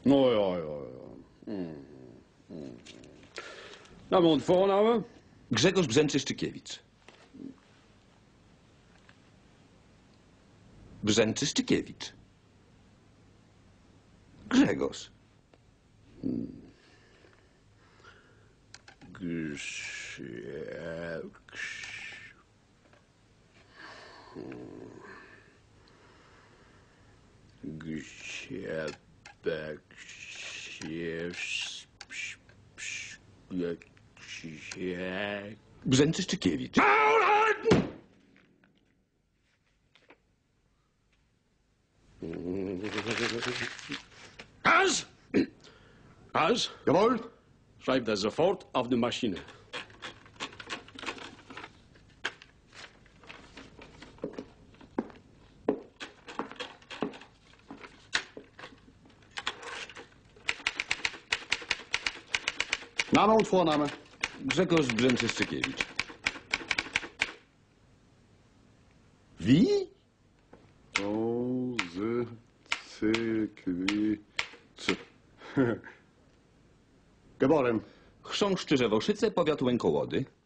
Nou ja. Nou, mijn voornaam? Grzegorz Brzęczy-Szczykiewicz. Brzęczy-Szczykiewicz. Grzegorz. Brzęczy-Szczykiewicz. Hans! Hans, Jawohl. schrijf dat sofort auf de machine. Name und Vorname. Grzegorz Brzęczy-Szczykiewicz. Wie? Geboren. Chrząszczy Rzewoszyce, powiat Łękołody.